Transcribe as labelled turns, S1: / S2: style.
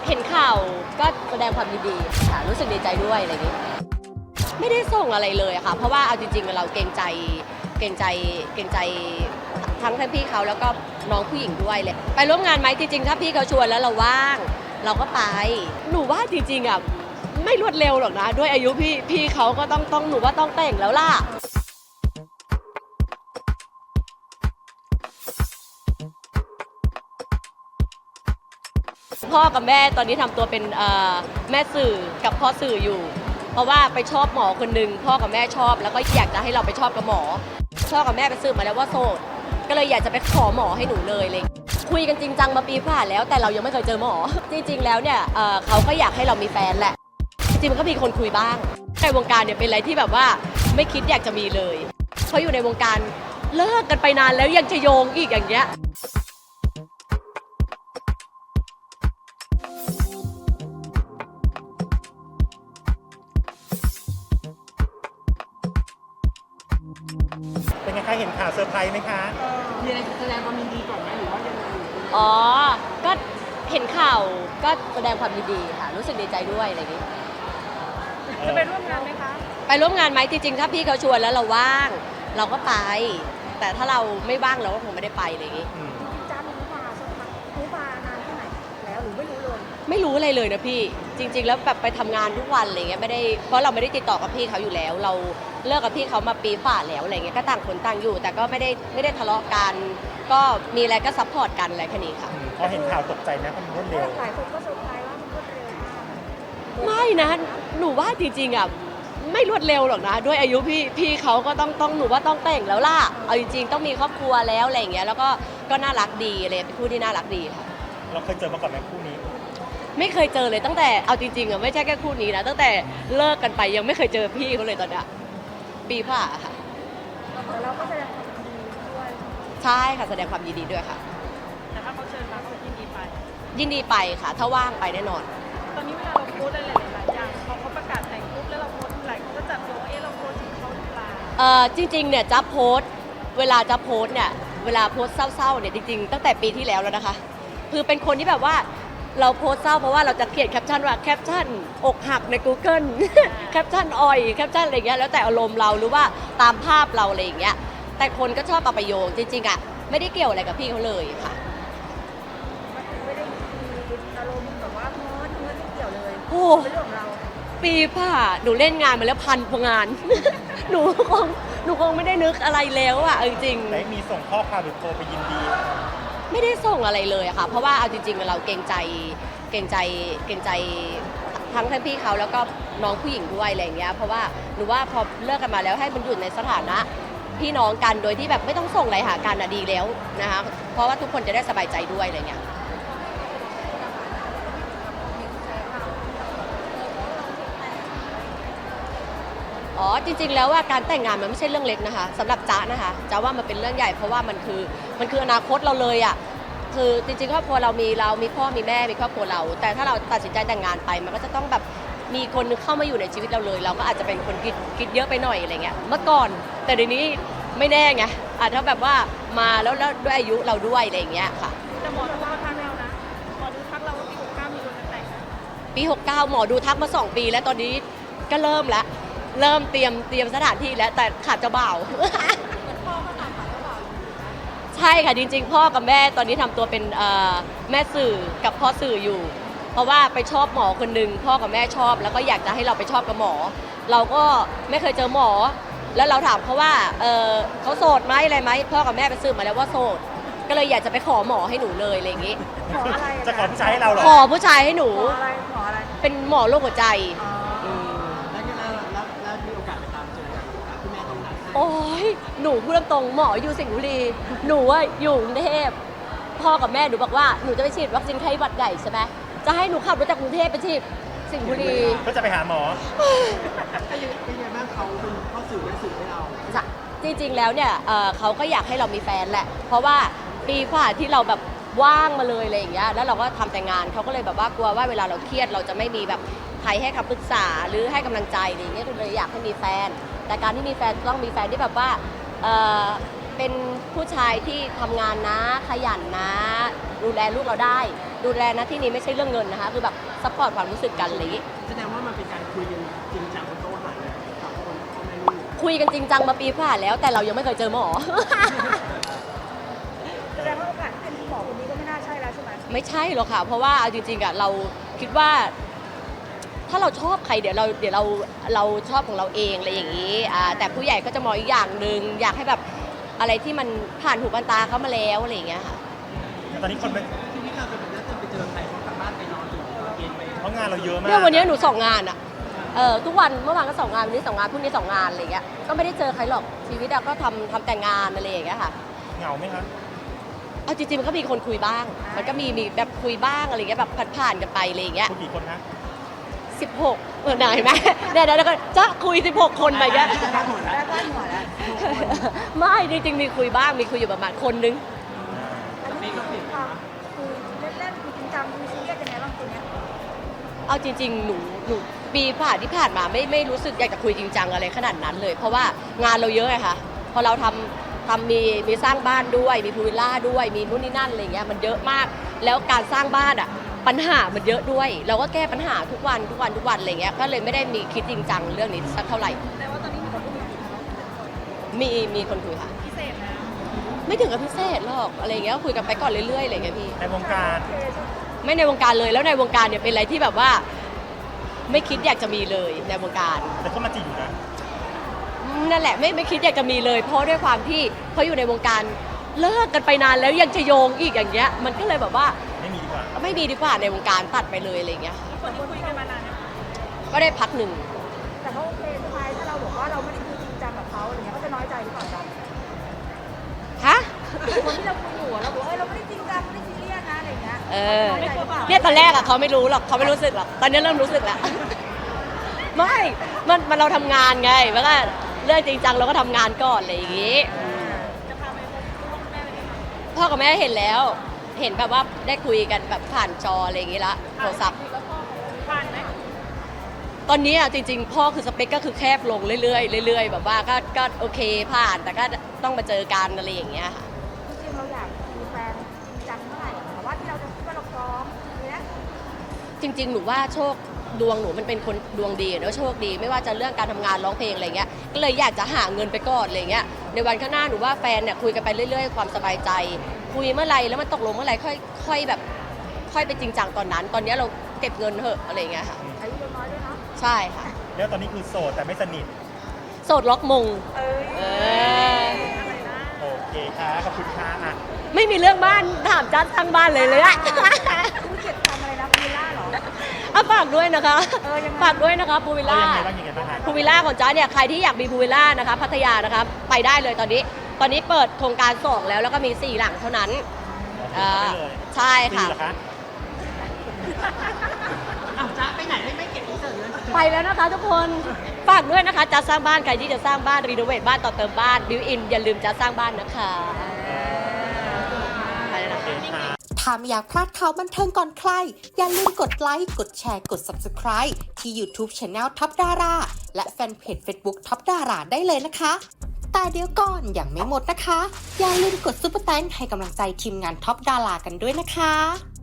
S1: เห็นข่าวก็แสดงความยินดีค่ะรู้สึกดีใจด้วยอะไรอย่างนี้ไม่ได้ส่งอะไรเลยค่ะเพราะว่าเอาจริงๆเราเกรงใจทั้งพี่เขาแล้วก็น้องผู้หญิงด้วยเลยไปร่วมงานไหมจริงๆถ้าพี่เขาชวนแล้วเราว่างเราก็ไปหนูว่าจริงๆอ่ะไม่รวดเร็วหรอกนะด้วยอายุพี่เขาก็ต้องหนูว่าต้องแต่งแล้วล่ะพ่อกับแม่ตอนนี้ทำตัวเป็นแม่สื่อกับพ่อสื่ออยู่เพราะว่าไปชอบหมอคนหนึ่งพ่อกับแม่ชอบแล้วก็อยากจะให้เราไปชอบกับหมอพ่อกับแม่ไปสืบมาแล้วว่าโสดก็เลยอยากจะไปขอหมอให้หนูเลยคุยกันจริงจังมาปีผ่านแล้วแต่เรายังไม่เคยเจอหมอจริงๆแล้วเนี่ยเขาก็อยากให้เรามีแฟนแหละจริงๆมันก็มีคนคุยบ้างในวงการเนี่ยเป็นอะไรที่แบบว่าไม่คิดอยากจะมีเลยเพราะอยู่ในวงการเลิกกันไปนานแล้วยังจะโยงอีกอย่างเงี้ย
S2: เป็นไงคะเห็นข่าวเซอร์ไพรส์ไหมคะ
S3: มีอะไรแสดงความยินดีก่อนไหมหรือว่ายังไง
S1: อ๋อก็เห็นข่าวก็แสดงความยินดีค่ะรู้สึกดีใจด้วยอะไรอย่างนี้
S3: จะไปร่วมงานไหมคะ
S1: ไปร่วมงานไหมจริงๆถ้าพี่เขาชวนแล้วเราว่างเราก็ไปแต่ถ้าเราไม่ว่างเราก็คงไม่ได้ไปอะไรอย่างนี้
S3: จ้ารู้มาสักพักรู้มานานแค่ไหนแล้วหรือไม่รู้เลย
S1: ไม่รู้อะไรเลยนะพี่จริงๆแล้วแบบไปทำงานทุกวันอะไรเงี้ยไม่ได้เพราะเราไม่ได้ติดต่อกับพี่เขาอยู่แล้วเราเลิกกับพี่เขามาปีฝ่าแล้วอะไรเงี้ยก็ต่างคนต่างอยู่แต่ก็ไม่ได้ทะเลาะกันก็มีอะไรก็ซัพพอร์ตกันอะไรแค่นี้ค่ะ
S2: พอเห็นข่าวตกใจไหมมันรวดเร็ว
S3: หลายคนก็เซอร์ไพรส์ว่ามันรวดเร็วมาก
S1: ไม่นะหนูว่าจริงๆอ่ะไม่รวดเร็วหรอกนะด้วยอายุพี่เขาก็ต้องหนูว่าต้องแต่งแล้วล่ะเอาจริงๆต้องมีครอบครัวแล้วอะไรอย่างเงี้ยแล้วก็น่ารักดีเลยเป็นคู่ที่น่ารักดีค่ะ
S2: เราเคยเจอมาก่อนไหมคู่นี้
S1: ไม่เคยเจอเลยตั้งแต่เอาจริงๆอ่ะไม่ใช่แค่คู่นี้นะตั้งแต่เลิกกันไปยังไม่เคยเจอพี่เขาเลยตอนเนี้ยปีผ่าค่ะ
S3: แต่เราก็แสดงความยินดีด้วย
S1: ใช่ค่ะแสดงความยินดีด้วยค่ะ
S3: แต่ถ้าเขาเชิญมาก็ยินดีไป
S1: ยินดีไปค่ะถ้าว่างไปแน่นอน
S3: ตอนนี้เวลาเราโพสอะไรหลายๆอย่างพอเขาประกาศแต่งปุ๊บแล้วเราโพสหลายคนก็จับโยงว่าเราโพสถึงเขาหรือเปล่า
S1: จริงๆเนี่ยจะโพสเวลาจะโพสเนี่ยเวลาโพสเศร้าๆเนี่ยจริงๆตั้งแต่ปีที่แล้วแล้วนะคะคือเป็นคนที่แบบว่าเราโพสเศร้าเพราะว่าเราจะเขียนแคปชั่นว่าแคปชั่นอกหักใน Google แคปชั่นอ่อยแคปชั่นอะไรเงี้ยแล้วแต่อารมณ์เราหรือว่าตามภาพเราอะไรอย่างเงี้ยแต่คนก็ชอบเอาไปโยงจริงๆอ่ะไม่ได้เกี่ยวอะไรกับพี่เขาเลยค่ะ
S3: ไม่ได้มีอารมณ์แบบว่าโพสไม่เกี่ยวเลย
S1: โอ้
S3: เป็นเรื่องของเรา
S1: ปีผ่าหนูเล่นงานมาแล้ว1,000 กว่างาน หนูคงไม่ได้นึกอะไรแล้วอ่ะจริง
S2: ไหนมีส่งข้อความหรือโทรไปยินดี
S1: ไม่ได้ส่งอะไรเลยค่ะเพราะว่าเอาจริงๆเราเกรงใจทั้งพี่เขาแล้วก็น้องผู้หญิงด้วยอะไรอย่างเงี้ยเพราะว่าหนูว่าพอเลิกกันมาแล้วให้มันอยู่ในสถานะพี่น้องกันโดยที่แบบไม่ต้องส่งอะไรหากันดีแล้วนะคะเพราะว่าทุกคนจะได้สบายใจด้วยอะไรเงี้ยอ๋อจริงๆแล้วว่าการแต่งงานมันไม่ใช่เรื่องเล็กนะคะสำหรับจ๊ะนะคะจ๊ะว่ามันเป็นเรื่องใหญ่เพราะว่ามันคืออนาคตเราเลยอ่ะคือจริงๆครอบครัวเรามีพ่อมีแม่มีครอบครัวเราแต่ถ้าเราตัดสินใจแต่งงานไปมันก็จะต้องแบบมีคนนึงเข้ามาอยู่ในชีวิตเราเลยเราก็อาจจะเป็นคนคิดเยอะไปหน่อยอะไรเงี้ยเมื่อก่อนแต่เดี๋ยวนี้ไม่แน่ไงอาจจะแบบว่ามาแล้วด้วยอายุเราด้วยอะไรอย่างเงี้ยค่ะ
S3: แต่หมอดูทักเรานะหมอดูทักเราว่าปี69มีคนจะแต่งนะ
S1: ปี69หมอดูทักมา2 ปีแล้วตอนนี้ก็เริ่มเตรียมสถานที่แล้วแต่ขาดเจ้าบ่าวใช่ค่ะจริงๆพ่อกับแม่ตอนนี้ทำตัวเป็นแม่สื่อกับพ่อสื่ออยู่เพราะว่าไปชอบหมอคนหนึ่งพ่อกับแม่ชอบแล้วก็อยากจะให้เราไปชอบกับหมอเราก็ไม่เคยเจอหมอแล้วเราถามเขาว่าเขาโสดไหมอะไรไหมพ่อกับแม่ไปสืบมาแล้วว่าโสดก็เลยอยากจะไปขอหมอให้หนูเลยอะไรอย่างงี้
S3: ขออะไร
S2: จะขอผู้ชายให้เราเหรอ
S1: ขอผู้ชายให้หนู
S3: ขออะไรขออะไร
S1: เป็นหมอโรคหัวใจ
S3: แล้วมีโอกาสไปตามเจอคุณแม่ตรงนั้น
S1: โอ้ยหนูพูดตรงๆหมออยู่สิงห์บุรีหนูว่าอยู่กรุงเทพพ่อกับแม่หนูบอกว่าหนูจะไปฉีดวัคซีนไข้หวัดใหญ่ใช่ไหมจะให้หนูขับรถจากกรุงเทพไปฉีดสิงห์บุรี
S2: ก็จะไปหาหมอ
S3: เป็นไงบ้างเขาเป็นข้อสื่อและสื่อให้เรา
S1: จริงๆแล้วเนี่ยเขาก็อยากให้เรามีแฟนแหละเพราะว่าปีกว่าที่เราแบบว่างมาเลยอะไรอย่างเงี้ยแล้วเราก็ทำแต่งานเขาก็เลยแบบว่ากลัวว่าเวลาเราเครียดเราจะไม่มีแบบใครให้คำปรึกษาหรือให้กำลังใจอะไรอย่างเงี้ยเลยอยากให้มีแฟนแต่การที่มีแฟนต้องมีแฟนที่แบบว่าเป็นผู้ชายที่ทำงานนะขยันนะ ดูแลลูกเราได้ ดูแลนะที่นี้ไม่ใช่เรื่องเงินนะคะ คือแบบซัพพอร์ตความรู้สึกกันอะไรอย่างงี้
S4: แสดงว่ามันเป็นการคุยกันจริงจังบนโต๊ะอาหารกับคนพ่อแม่ลูก
S1: คุยกันจริงจังมาปีผ่านแล้ว แต่เรายังไม่เคยเจอหมอ
S3: แสดงว่าโอกาสที่เป็นหมอคนนี้ก็ไม่น่าใช่แล้วใช่ไหม
S1: ไม่ใช่หรอกค่ะ เพราะว่าเอาจริงๆอะเราคิดว่า ถ้าเราชอบใครเดี๋ยวเราชอบของเราเองอะไรอย่างนี้แต่ผู้ใหญ่ก็จะมองอีกอย่างหนึ่งอยากให้แบบอะไรที่มันผ่านหูผ่านตาเขามาแล้วอะไรอย่างเงี้ยค่ะ
S2: ตอนนี้คนไป
S4: ที่นี่เราจะเป็นนัดไปเจอใครเขากลับบ้านไปนอนถึงเย็นไป
S2: เพราะงานเราเยอะมาก
S1: เนี่ยวันนี้หนู2 งานอะทุกวันเมื่อวานก็2 งานวันนี้2 งานพรุ่งนี้2 งานอะไรอย่างเงี้ยก็ไม่ได้เจอใครหรอกชีวิตอะก็ทำแต่งานอะไรอย่างเงี้ยค่ะ
S2: เหงาไหมคะ
S1: เอาจริงๆมันก็มีคนคุยบ้าง มันก็มีแบบคุยบ้างอะไรอย่างเงี้ยแบบผ่านๆกันไปอะไรอย่างเงี้ย
S2: คุณกี่คนคะ
S1: 16ไหนไหมเนี่ยแล้วก็จะคุย16 คนไปเงี้ย
S3: แล้วก็หัวแล้ว
S1: ไม่จริงๆมีคุยบ้างมีคุยอยู่ประมาณคนนึง
S3: อันนี้คือความคือเล่นๆคือจริงจังคือซีเรียสยังไงบ้างคนเนี้ย
S1: เอาจริงๆหนูปีที่ผ่านมาไม่รู้สึกอยากจะคุยจริงจังอะไรขนาดนั้นเลย เพราะว่างานเราเยอะไงคะพอเราทำมีสร้างบ้านด้วยมีพูลวิลล่าด้วยมีนู่นนี่นั่นอะไรเงี้ยมันเยอะมาก แล้วการสร้างบ้านอ่ะปัญหามันเยอะด้วย เราก็แก้ปัญหาทุกวันอะไรเงี้ยก็เลยไม่ได้มีคิดจริงจังเรื่องนี้สักเท่าไหร่
S3: แต่ว่าตอนนี้มีคนคุยกับเรา
S1: มีคนคุยค่ะ
S3: พิเศษนะ
S1: ไม่ถึงกับพิเศษหรอกอะไรเงี้ยคุยกันไปก่อนเรื่อยๆอะไรเงี้ยพี่
S2: ในวงการ
S3: โอเคใช่ไหม
S1: ไม่ในวงการเลยแล้วในวงการเนี่ยเป็นอะไรที่แบบว่า ไม่คิดอยากจะมีเลยในวงการ
S2: แต่ก็มาจีบอยู่นะ
S1: นั่นแหละไม่คิดอยากจะมีเลย เพราะด้วยความที่เขาอยู่ในวงการเลิกกันไปนานแล้วยังจะโยงอีกอย่างเงี้ยมันก็เลยแบบว่า
S2: ไม่มีดีกว่า
S1: ไม่มีดีกว่าในวงการตัดไปเลยอะไรเงี้ย
S3: คนที่คุยกันมานานเนี่ย
S1: ก็ได้พักหนึ่ง
S3: แต่เขาโอเคใช่ไหมถ้าเราบอกว่าเราไม่ได้คุยจริงจังกับเขาอะไรเงี้ยเขาจะน้อยใจหรือเปล่าจ๊ะ
S1: ฮะ
S3: คนที่เราคุยอยู่อะเราบอกเราไม่ได้จริงจังไม่ได้ซีเรียสนะอะไรเงี้ย
S1: เออ
S3: ไม่กลัวเปล่า
S1: เนี่ยตอนแรกอะเขาไม่รู้หรอกเขาไม่รู้สึกหรอกตอนนี้เริ่มรู้สึกแล้ว ไม่มันเราทำงานไงมันก็เรื่องจริงจังเราก็ทำงานก่อนอะไรอย่างงี้
S3: จะพาไปพบพ่อแม่เลย
S1: พ่อกับแม่เห็นแล้ว เห็นแบบว่าได้คุยกันแบบผ่านจออะไรอย่างงี้ละโทรศัพท์
S3: แล้วพ่อเขาผ่านไหม
S1: ตอนนี้อ่ะจริงๆ พ่อคือสเปคก็คือแคบลงเรื่อยๆเรื่อยๆแบบว่าก็โอเคผ่านแต่ก็ต้องมาเจอกันอะไรอย่างเงี้ยค่ะ
S3: จริงๆเราอยากมีแฟนจริงจังเมื่อไหร่แต่ว่าที่เราจะคิดว่าเราพร้อมเนี้ย
S1: จริงๆ หนูว่าโชคดวงหนูมันเป็นคนดวงดีเนอะโชคดีไม่ว่าจะเรื่องการทำงานร้องเพลงอะไรเงี้ยก็เลยอยากจะหาเงินไปก่อนอะไรเงี้ยในวันข้างหน้าหนูว่าแฟนเนี่ยคุยกันไปเรื่อยๆความสบายใจ คุยเมื่อไหร่แล้วมันตกลงเมื่อไหร่ค่อยแบบค่อยไปจริงจังตอนนั้น ตอนนี้เราเก็บเงินเถอะอะไรเงี้ยค่ะ
S3: อายุยังน้อยด้วยเนาะ
S1: ใช่ค่ะ
S2: แล้วตอนนี้คือโสดแต่ไม่สนิท
S1: โสดล็อกมง
S3: เอ้ย
S1: เออ
S3: อะไรนะ
S2: โอเคค่ะขอบคุณค่ะอ่ะ
S1: ไม่มีเรื่องบ้านถามจัดทางบ้านเลยอะ
S3: คุณเกียรติทำอะไรนะพีล่าเหรอ
S1: อ่ะฝากด้วยนะคะ
S3: ยังไง
S1: ฝากด้วยนะคะพูลวิล
S2: เอา
S1: ล่า
S2: ยังไงบ้างคะ
S1: พูลวิลล่าของจ้าเนี่ยใครที่อยากมีพูลวิลล่านะคะพัทยานะคะไปได้เลยตอนนี้เปิดโครงการ2แล้วก็มี4 หลังเท่านั้น
S2: ได้เลย
S1: ใช่
S2: ฟรี
S1: ค่ะ
S2: เหรอคะ
S4: อ้าวจ๊ะไปไหนไม่เก็บอินเสิร์ตเลย
S1: ไปแล้วนะคะทุกคนฝากด้วยนะคะจะสร้างบ้านใครที่จะสร้างบ้านรีโนเวทบ้านต่อเติมบ้านบิวอินอย่าลืมจะสร้างบ้านนะคะไปแล้วนะคะ
S5: ถ้าไม่อยากพลาดข่าวบันเทิงก่อนใคร อย่าลืมกดไลค์ กดแชร์ กด Subscribe ที่ YouTube Channel ท็อปดาราและแฟนเพจ Facebook ท็อปดาราได้เลยนะคะ แต่เดี๋ยวก่อนอย่างไม่หมดนะคะ อย่าลืมกดซุปเปอร์แตงให้กำลังใจทีมงานท็อปดารากันด้วยนะคะ